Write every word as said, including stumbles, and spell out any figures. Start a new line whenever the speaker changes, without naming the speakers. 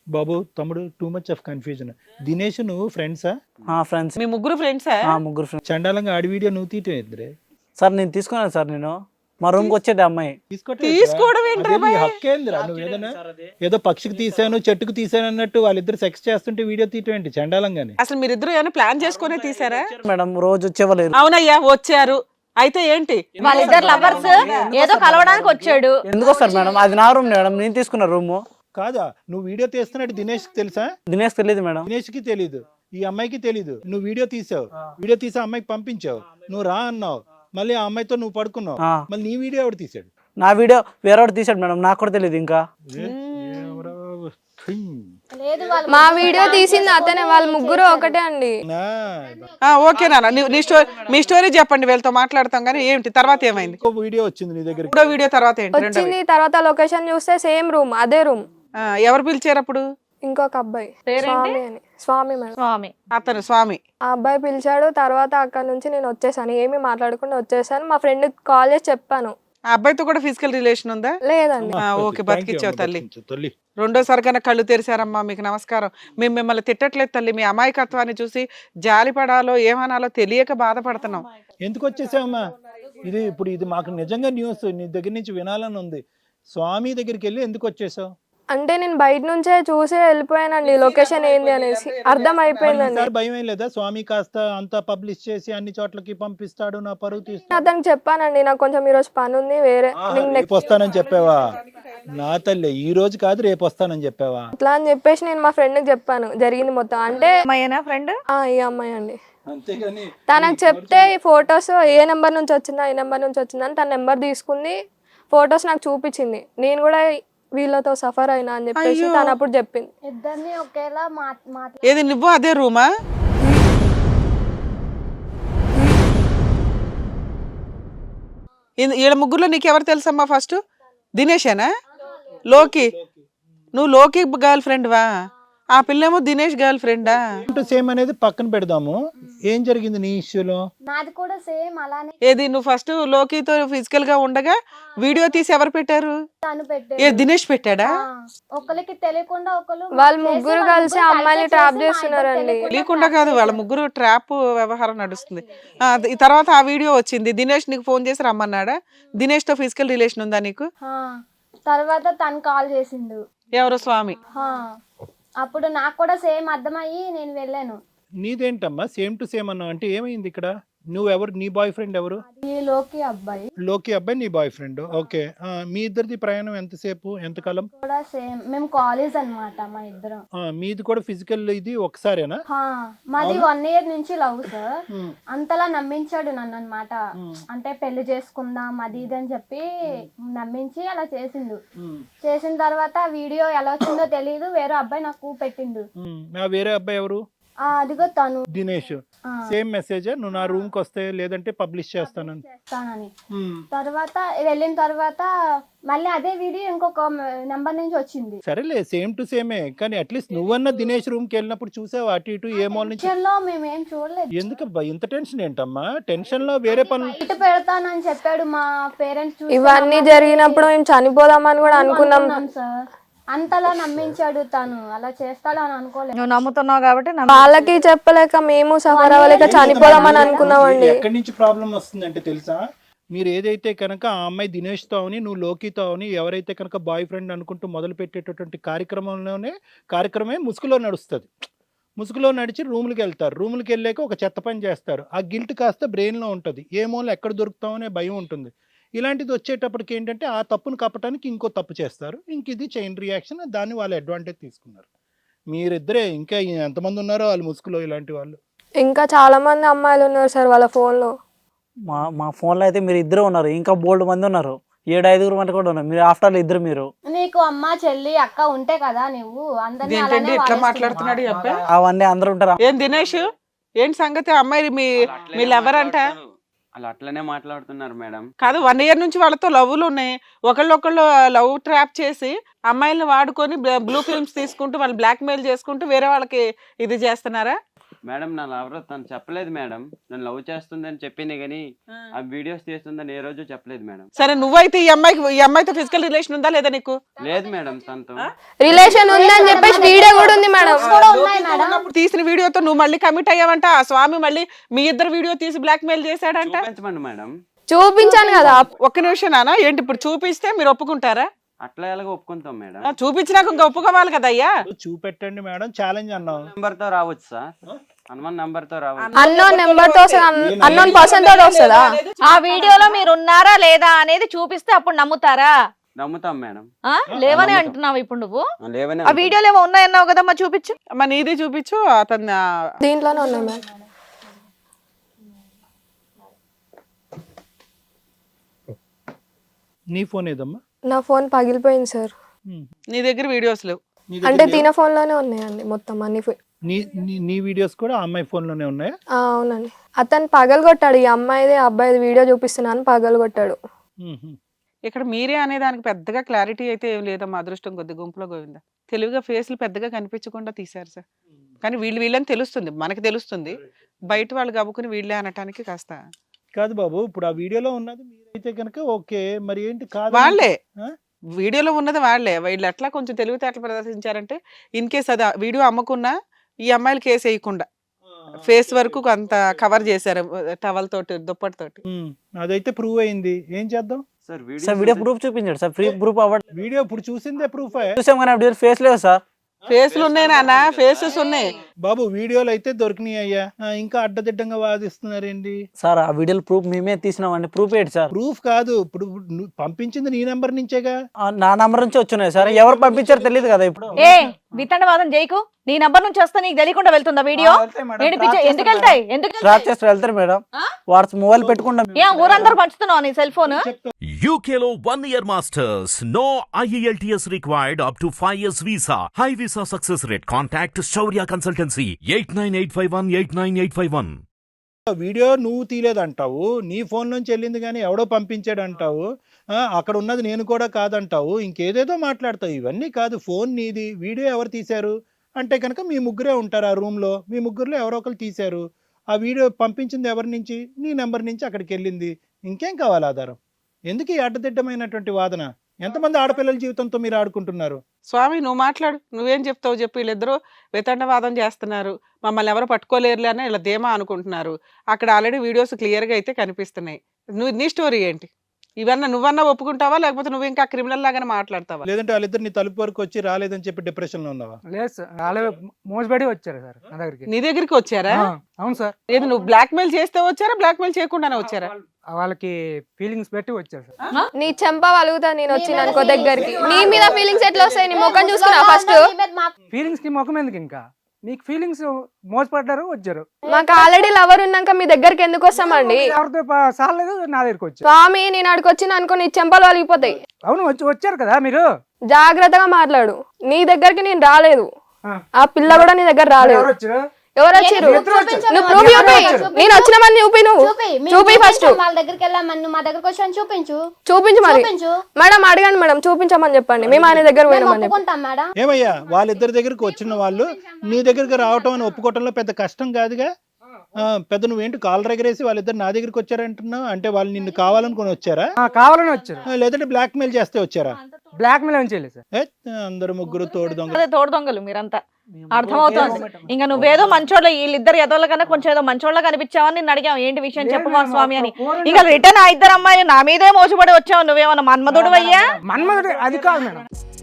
బాబు తమ్ముడు too much of confusion. Dinesh నువ్వు ఫ్రెండ్సా?
ఫ్రెండ్స్.
మీ ముగ్గురు ఫ్రెండ్సా?
ముగ్గురు ఫ్రెండ్స్.
చండాలంగా ఆడి వీడియో నువ్వు తీయటం ఇద్దరే
సార్ నేను తీసుకున్నాను సార్, నేను మా రూమ్ కి వచ్చేది అమ్మాయి.
తీసుకోవడం ఏంట్రా భయ్?
హక్కేంద్రా నువ్వు ఏదైనా ఏదో పక్షికి తీసాను చెట్టుకు తీసాను అన్నట్టు వాళ్ళిద్దరు సెక్స్ చేస్తుంటే వీడియో తీయటం ఏంటి చండాలంగానే?
అసలు మీరిద్దరు ఏమైనా ప్లాన్ చేసుకునే తీసారా?
మేడం రోజు వచ్చేవాళ్ళు.
అవునయ్యా వచ్చారు. అయితే ఏంటి
వాళ్ళిద్దరు లవర్స్ ఏదో కలవడానికి వచ్చాడు.
ఎందుకు వస్తారు మేడం? అది నా రూమ్ మేడం, నేను తీసుకున్న రూమ్.
కాదా నువ్వు వీడియో తీస్తున్నట్టు దినేష్ తెలుసా?
దినేష్ తెలియదు మేడం.
దినేష్ కి తెలీదు, ఈ అమ్మాయికి తెలీదు. నువ్వు వీడియో తీసావు, వీడియో తీసి అమ్మాయికి పంపించావు, నువ్వు రా అన్నావు, మళ్ళీ ఆ అమ్మాయితో నువ్వు పడుకున్నావు, మళ్ళీ నీ వీడియో ఎవడు తీసాడు?
నా వీడియో వేరేవాడు తీసాడు మేడం, నాకు కూడా తెలియదు. ఇంకా
మా వీడియో తీసింది అతనే, వాళ్ళ ముగ్గురు ఒకటే అండి.
ఓకే నాన్న నీ స్టోరీ, మీ స్టోరీ చెప్పండి, వీళ్ళతో మాట్లాడతాం. కానీ ఏంటి తర్వాత ఏమైంది?
వీడియో వచ్చింది నీ దగ్గర,
ఇప్పుడు వీడియో తర్వాత ఏంటి?
వచ్చింది తర్వాత లొకేషన్ చూస్తే సేమ్ రూమ్, అదే రూమ్.
ఎవరు పిలిచారు అప్పుడు?
ఇంకొక అబ్బాయి స్వామి అని, స్వామి మేడం,
స్వామి
అతను స్వామి.
ఆ అబ్బాయి పిలిచాడు. తర్వాత అక్కడ నుంచి నేను వచ్చేసాను, ఏమి మాట్లాడకుండా వచ్చేసాను. మా ఫ్రెండ్ కాల్ చేసి చెప్పాను.
ఆ అబ్బాయితో కూడా ఫిజికల్ రిలేషన్ ఉందా?
లేదండి.
ఓకే బతికిచ్చావు తల్లి. రెండోసారి కన్నా కళ్ళు తెరిచారమ్మా, మీకు నమస్కారం. మేము మిమ్మల్ని తిట్టట్లేదు తల్లి, మీ అమాయకత్వాన్ని చూసి జాలిపడాలో ఏమనాలో తెలియక బాధపడుతున్నాం.
ఎందుకు వచ్చేసావమ్మా? ఇది ఇప్పుడు ఇది మాకు నిజంగా న్యూస్ నీ దగ్గర నుంచి వినాలని ఉంది. స్వామి దగ్గరికి వెళ్ళి ఎందుకు వచ్చేసావు?
అంటే నేను బయట నుంచే చూసి వెళ్ళిపోయానండి లొకేషన్ ఏంది అనేసి, అర్థం అయిపోయిందండి.
భయం ఏం లేదా? స్వామి కాస్త అంతా పబ్లిష్ చేసి అన్ని చోట్లకి పంపిస్తాడు, నా పరువు తీస్తాడు.
అతనికి చెప్పానండి, నాకు కొంచెం ఈ రోజు పని ఉంది, వేరే
రేపు వస్తానని చెప్పావా? నా తల్లి ఈ రోజు కాదు రేపు వస్తానని చెప్పావా?
అట్లా అని చెప్పేసి నేను మా ఫ్రెండ్ కి చెప్పాను జరిగింది మొత్తం. అంటే
అమ్మాయినా ఫ్రెండ్?
ఆ ఈ అమ్మాయి అండి.
అంతేగాని
తనకు చెప్తే ఈ ఫొటోస్ ఏ నెంబర్ నుంచి వచ్చిందా ఏ నెంబర్ నుంచి వచ్చిందని తన నెంబర్ తీసుకుంది, ఫొటోస్ నాకు చూపించింది. నేను కూడా వీళ్ళతో సఫర్ అయినా అని చెప్పేసి తను అప్పుడు చెప్పింది.
ఇద్దరిని ఒకేలా
ఏది నువ్వు అదే రూమా? వీళ్ళ ముగ్గురులో నీకెవరు తెలుసమ్మా? ఫస్ట్ దినేషేనా? లోకి? నువ్వు లోకి గర్ల్ ఫ్రెండ్ వా? ఆ పిల్లేమో దినేష్ గర్ల్ ఫ్రెండా?
సేమ్ అనేది పక్కన పెడదాము. ఏం జరిగింది నీ ఇష్యూలో?
నాది కూడా సేమ్ అలానే.
ఏది నువ్వు ఫస్ట్ లోకితో ఫిజికల్ గా ఉండగా వీడియో తీసి ఎవరు పెట్టారు?
తను పెట్టాడు.
ఏ దినేష్ పెట్టాడా?
ఒకరికి తెలియకుండా ఒకరు
వాళ్ళ ముగ్గురు కలిసి అమ్మాయిని ట్రాప్ చేస్తున్నారండి.
తెలియకుండా కాదు, వాళ్ళ ముగ్గురు ట్రాప్ వ్యవహారం నడుస్తుంది. ఈ తర్వాత ఆ వీడియో వచ్చింది. దినేష్ నీకు ఫోన్ చేసి రమ్మన్నాడా? దినేష్ తో ఫిజికల్ రిలేషన్ ఉందా నీకు?
తర్వాత తను కాల్ చేసిండు.
ఎవరు? స్వామి.
అప్పుడు నాకు కూడా సేమ్ అర్థమయ్యి నేను వెళ్ళాను.
నీదేంటమ్మా సేమ్ టు సేమ్ అన్నావు అంటే ఏమైంది ఇక్కడ? నువ్వెవరు? నీ బాయ్ ఫ్రెండ్ ఎవరు?
లోకి అబ్బాయి.
లోకి అబ్బాయి నీ బాయ్ ఫ్రెండ్. ఓకే, మీ ఇద్దరిది ప్రయాణం ఎంతసేపు, ఎంతకాలం?
కూడా సేమ్, మేము కాలేజ్ అన్నమాట మా ఇద్దరం.
మీది కూడా ఫిజికల్ ఇది ఒకసారేనా?
మాది వన్ ఇయర్ నుంచి లవ్ సార్. అంతలా నమ్మించాడు నన్ను అన్నమాట. అంటే పెళ్లి చేసుకుందాం అది ఇది అని చెప్పి నమ్మించి అలా చేసిండు. చేసిన తర్వాత వీడియో ఎలా వచ్చిందో తెలియదు, వేరే అబ్బాయి నాకు పెట్టిండు.
వేరే అబ్బాయి ఎవరు?
అదిగో తను
దినేష్. సేమ్ మెసేజ్, నువ్వు నా రూమ్ కి వస్తే లేదంటే పబ్లిష్ చేస్తానని.
తర్వాత వెళ్ళిన తర్వాత మళ్ళీ అదే వీడియో ఇంకొక నెంబర్ నుంచి వచ్చింది.
సరేలే సేమ్ టు సేమే, కానీ అట్లీస్ట్ నువ్వన్నా దినేష్ రూమ్ కి వెళ్ళినప్పుడు చూసావు అటు ఇటు ఏ మాల్ నుంచి?
మేమేం చూడలేదు.
ఎందుకబ్బా ఇంత టెన్షన్ ఏంటమ్మా? టెన్షన్ లో వేరే పనులు
ఇటు పెడతానని చెప్పాడు మా పేరెంట్స్.
ఇవన్నీ జరిగినప్పుడు మేము చనిపోదామని కూడా అనుకున్నాం
సార్. అంతలా నమ్మించాడు తను, అలా చేస్తాడు అని అనుకోలేదు.
నువ్వు నమ్ముతున్నావు కాబట్టి
వాళ్ళకి చెప్పలేక మేము సఫర్ అవ్వలేక చనిపోదామని అనుకున్నామండి.
ఎక్కడి నుంచి ప్రాబ్లం వస్తుందంటే తెలుసా? మీరు ఏదైతే కనుక ఆ అమ్మాయి దినేష్తో అవని నువ్వు లోకితో అవని ఎవరైతే కనుక బాయ్ ఫ్రెండ్ అనుకుంటూ మొదలు పెట్టేటటువంటి కార్యక్రమంలోనే కార్యక్రమే ముసుగులో నడుస్తుంది. ముసుగులో నడిచి రూములకి వెళ్తారు. రూములకి వెళ్ళాక ఒక చెత్త పని చేస్తారు. ఆ గిల్ట్ కాస్త బ్రెయిన్లో ఉంటుంది. ఏ మూల ఎక్కడ దొరుకుతామనే భయం ఉంటుంది. ఇలాంటిది వచ్చేటప్పటికి ఏంటంటే ఆ తప్పును కప్పటానికి ఇంకో తప్పు చేస్తారు. ఇంక ఇది చైన్ రియాక్షన్, దాన్ని వాళ్ళు అడ్వాంటేజ్ తీసుకున్నారు. మీరిద్దరే, ఇంకా ఎంతమంది ఉన్నారో వాళ్ళు ముసుగులో ఇలాంటి వాళ్ళు.
ఇంకా చాలా మంది అమ్మాయిలు ఉన్నారు సార్ వాళ్ళ ఫోన్ లో.
మా మా ఫోన్ లో అయితే మీరు ఇద్దరు ఉన్నారు, ఇంకా బోల్డ్ మంది ఉన్నారు, ఏడు ఐదుగురు మంది కూడా ఉన్నారు. మీరు ఆఫ్టర్ ఆల్ ఇద్దరు. మీరు
నీకు అమ్మ చెల్లి అక్క ఉంటే కదా నువ్వు అందరినీ
ఇట్లా మాట్లాడుతున్నాడు ఈ అబ్బాయి.
అవన్నీ అందరూ ఉంటారు.
ఏం దినేష్ ఏంటి సంగతి? అమ్మాయి మీ మీ లవర్ అంట?
అలా అట్లనే మాట్లాడుతున్నారు మేడం.
కాదు, వన్ ఇయర్ నుంచి వాళ్ళతో లవ్లు ఉన్నాయి. ఒకళ్ళొకళ్ళు లవ్ ట్రాప్ చేసి అమ్మాయిలను వాడుకొని బ్లూ ఫిల్మ్స్ తీసుకుంటూ వాళ్ళు బ్లాక్ మెయిల్ చేసుకుంటూ వేరే వాళ్ళకి ఇది చేస్తున్నారా?
మేడం నా లవర్ తను చెప్పలేదు మేడం. నన్ను లవ్ చేస్తుందని చెప్పింది కానీ ఆ వీడియోస్ తీస్తుందని ఏ రోజు చెప్పలేదు మేడం.
సరే నువ్వైతే ఈ అమ్మాయికి ఈ అమ్మాయితో ఫిజికల్ రిలేషన్ ఉందా లేదా నీకు?
లేదు మేడం, తనతో
రిలేషన్ ఉందని చెప్పేసి వీడియో
తీసిన వీడియోతో నువ్వు మళ్ళీ కమిట్ అయ్యావంట, ఆ స్వామి మళ్ళీ మీ ఇద్దరు వీడియో తీసి బ్లాక్ మెయిల్ చేశాడంట.
చూపించమండి మేడం.
చూపించాను కదా.
ఒక్క నిమిషం నాన్న, ఏంటి ఇప్పుడు చూపిస్తే మీరు ఒప్పుకుంటారా?
అట్లా ఎలాగో ఒప్పుకుంటాం మేడం.
ఆ, చూపించినాక ఇంకా ఒప్పుకోవాలి కదా అయ్యా.
చూపెట్టండి మేడం, ఛాలెంజ్ అన్నాం.
నెంబర్ తో రావచ్చు సార్, హనుమాన్ నెంబర్ తో రావచ్చు.
అన్నోన్ నెంబర్ తో అన్నోన్ పర్సన్ తో వస్తుందా?
ఆ వీడియోలో మీరు ఉన్నారా లేదా అనేది చూపిస్తే అప్పుడు నమ్ముతారా?
నమ్ముతాం మేడం.
ఆ లేవని అంటున్నావు ఇప్పుడు నువ్వు.
లేవనే
ఆ వీడియోలో ఏమో ఉన్నాయన్నావు కదమ్మా, చూపించు.
అమ్మ నీది చూపించు, అతను
దీంట్లోనే ఉన్నాయి మేడం.
నీ ఫోన్ ఏదమ్మా?
నా ఫోన్ పగిలిపోయింది సార్.
నీ దగ్గర వీడియోస్ లేవు.
నీ దగ్గర
అంటే
లేవా?
తిన ఫోన్ లోనే ఉన్నాయండి మొత్తం అన్ని ఫో-
నీ నీ- నీ వీడియోస్ కూడా ఆ అమ్మాయి ఫోన్ లోనే ఉన్నాయా?
ఆ, అవునండి. అతను పగలగొట్టాడు, ఈ అమ్మాయిది అబ్బాయిది వీడియో చూపిస్తున్నాను పగలగొట్టాడు.
మ్మ్.
ఇక్కడ మీరే అనే దానికి పెద్దగా క్లారిటీ అయితే ఏం లేదమ్మా, అదృష్టం కొద్ది గుంపులో గోవిందా. తెలివిగా ఫేస్లు పెద్దగా కనిపించకుండా తీశారు సార్. కానీ వీళ్ళు వీళ్ళని తెలుస్తుంది, మనకి తెలుస్తుంది. బయట వాళ్ళు గబుకుని వీళ్ళే అనటానికి కాస్త
కాదు బాబు, ఇప్పుడు ఆ వీడియోలో ఉన్నది మీరైతే కనుక ఓకే, మరి ఏంటి కాదు
వాళ్ళే
ఆ?
వీడియోలో ఉన్నది వాళ్ళే. వీళ్ళు ఎట్లా కొంచెం తెలివితేటలు ప్రదర్శించారంటే, ఇన్ కేస్ అది వీడియో అమ్మకున్నా ఈ అమ్మాయిలు కేసు వేయకుండా ఫేస్ వరకు కొంత కవర్ చేశారు టవల్ తోటి, దుప్పటి తోటి.
మ్మ్. అదైతే ప్రూవ్ అయింది, ఏం చేద్దాం?
సార్
సార్ వీడియో ప్రూఫ్ చూపించాడు సార్, ఫ్రీ ప్రూఫ్ అవ్వడం
వీడియో ఇప్పుడు చూసిందే ప్రూఫ్.
చూసాం కానీ వీడియో ఫేస్ లేదు సార్.
ఫేస్లు ఉన్నాయి నాన్న, ఫేసెస్ ఉన్నాయి.
బాబు వీడియోలు అయితే దొరికినాయి అయ్యా, ఆ, ఇంకా అడ్డదిడ్డంగా వాదిస్తున్నారేంటి?
సార్ ఆ వీడియోలు ప్రూఫ్ మేమే తీసినామండి, ప్రూఫ్ ఏంటి సార్?
ప్రూఫ్ కాదు, ఇప్పుడు నువ్వు పంపించింది నీ నెంబర్ నుంచేగా.
ఆ, నా నంబర్ నుంచి వచ్చినాయి సార్, ఎవరు పంపించారో తెలియదు కదా ఇప్పుడు.
ఏ వితండవాదం చేయకు. నీ నంబర్ నుంచి వస్తే నీకు తెలియకుండా వెళ్తుందా వీడియో?
ఆ, వెళ్తాయి మేడం,
ఏంటి
ట్రాప్
పిచ్చ- ఎందుకు
చేస్తారు
వెళ్తాయి? ఎందుకు
మేడం. ట్రాప్ చేస్తారు, వెళ్తారు మేడం. వాట్స్ మొబైల్ పెట్టుకుంటాం.
ఏ ఊరందరూ పంచుతున్నావు నీ సెల్ ఫోన్?
U K లో one year masters. No I E L T S required up to five years visa. High visa success rate. Contact Shaurya Consultancy eight nine eight five one eight nine eight five one.
Video నువ్వు తీలేదంటావు, నీ phone నుంచి వెళ్ళింది కానీ ఎవడో పంపించాడు అంటావు, ఆ, అక్కడ ఉన్నది నేను కూడా కాదంటావు, ఇంకేదేదో మాట్లాడతావు. ఇవన్నీ కాదు, ఫోన్ నీది, వీడియో ఎవరు తీశారు అంటే కనుక మీ ముగ్గురే ఉంటారు ఆ రూమ్లో, మీ ముగ్గురులో ఎవరో ఒకరు తీశారు. ఆ వీడియో పంపించింది ఎవరి నుంచి? నీ నెంబర్ నుంచి అక్కడికి వెళ్ళింది. ఇంకేం కావాలి ఆధారం? ఎందుకు ఈ అడ్డదిడ్డమైనటువంటి వాదన? ఎంతమంది ఆడపిల్లల జీవితంతో మీరు ఆడుకుంటున్నారు?
స్వామి నువ్వు మాట్లాడు, నువ్వేం చెప్తావు చెప్పు. వీళ్ళిద్దరూ వితండవాదం చేస్తున్నారు, మమ్మల్ని ఎవరు పట్టుకోలేరులే అని ఇలా ధీమా అనుకుంటున్నారు. అక్కడ ఆల్రెడీ వీడియోస్ క్లియర్గా అయితే కనిపిస్తున్నాయి. నువ్వు నీ స్టోరీ ఏంటి? ఇవన్నా నువ్వన్నా ఒప్పుకుంటావా, లేకపోతే నువ్వు ఇంకా క్రిమినల్ లాగానే మాట్లాడతావా?
లేదంటే వాళ్ళిద్దరు నీ తలుపు వరకు వచ్చి రాలేదని చెప్పి డిప్రెషన్లో ఉన్నావా?
లేదు సార్, వాళ్ళే మోసపడి వచ్చారు సార్ నా దగ్గరికి.
నీ దగ్గరికి వచ్చారా?
ఆ, అవును సార్.
ఏది నువ్వు బ్లాక్ మెయిల్ చేస్తే వచ్చారా, బ్లాక్ మెయిల్ చేయకుండానే వచ్చారా?
వాళ్ళకి ఫీలింగ్స్ పెట్టి వచ్చారు సార్.
నీ చెంప వలుగుతా నేను వచ్చిన అనుకో దగ్గరికి. నీ మీద ఫీలింగ్స్ ఎట్లా వస్తాయి? నీ ముఖం చూసుకున్నా ఫస్ట్.
ఫీలింగ్స్ కి ముఖం ఎందుకు? ఇంకా మీకు ఫీలింగ్స్ మోసపడ్డారు వచ్చారు.
మాకు ఆల్రెడీ లవర్ ఉన్నాక మీ దగ్గరికి ఎందుకు వస్తామండి?
ఎవరితో ప- సాలేదు నా దగ్గరికి వచ్చారు.
స్వామి నేను అడిగి వచ్చిన అనుకో నీ చెంపలు వలిగిపోతాయి.
అవును వచ్చి వచ్చారు కదా మీరు.
జాగ్రత్తగా మాట్లాడు. నీ దగ్గరికి నేను రాలేదు,
ఆ.
ఆ పిల్ల కూడా నీ దగ్గర రాలేదు.
ఎవరు వచ్చారు?
ఎవరు వచ్చారు? నువ్వు ప్రూఫ్ చూపి. నేను వచ్చినామని చూపి, నువ్వు చూపి ఫస్ట్.
వాళ్ళ దగ్గరికి వెళ్ళామని నువ్వు మా దగ్గరకు వచ్చాను, చూపించు.
చూపించు మరి.
చూపించు.
మేడం అడగండి మేడం, చూపించమని చెప్పండి. మేము ఆయన దగ్గర
మేము
పోయినామని చెప్పి.
ఒప్పుకుంటాం మేడం.
ఏమయ్యా, వాళ్ళిద్దరి దగ్గరికి వచ్చిన వాళ్ళు నీ దగ్గరికి రావటం అని ఒప్పుకోవటంలో పెద్ద కష్టం కాదుగా. ఆ, పెద్ద నువ్వేంటి కాలర్ ఎగరేసి వాళ్ళిద్దరు నా దగ్గరికి వచ్చారంటున్నావు అంటే వాళ్ళు నిన్ను కావాలనుకుని వచ్చారా,
ఆ, కావాలని వచ్చారు.
ఆ, లేదంటే బ్లాక్ మెయిల్ చేస్తే వచ్చారా?
బ్లాక్ మెయిల్ ఏం చేయలేదు సార్.
ఏ, అందరు ముగ్గురు తోడు దొంగ.
అదే తోడు దొంగలు మీరంతా. అర్థమవుతోంది. ఇంకా నువ్వేదో మంచోళ్ళ, వీళ్ళిద్దరు ఎదోళ్ళ కన్నా కొంచెం ఏదో మంచోళ్ళ కనిపించావని నిన్ను అడిగాం ఏంటి విషయం చెప్పు మా స్వామి అని. ఇంకా రిటర్న్ ఆ ఇద్దరు అమ్మాయిలు నా మీదే మోసపడి వచ్చావు. నువ్వేమన్నా మన్మధుడు అయ్యా?
మన్మధుడు అది కాదు మేడం.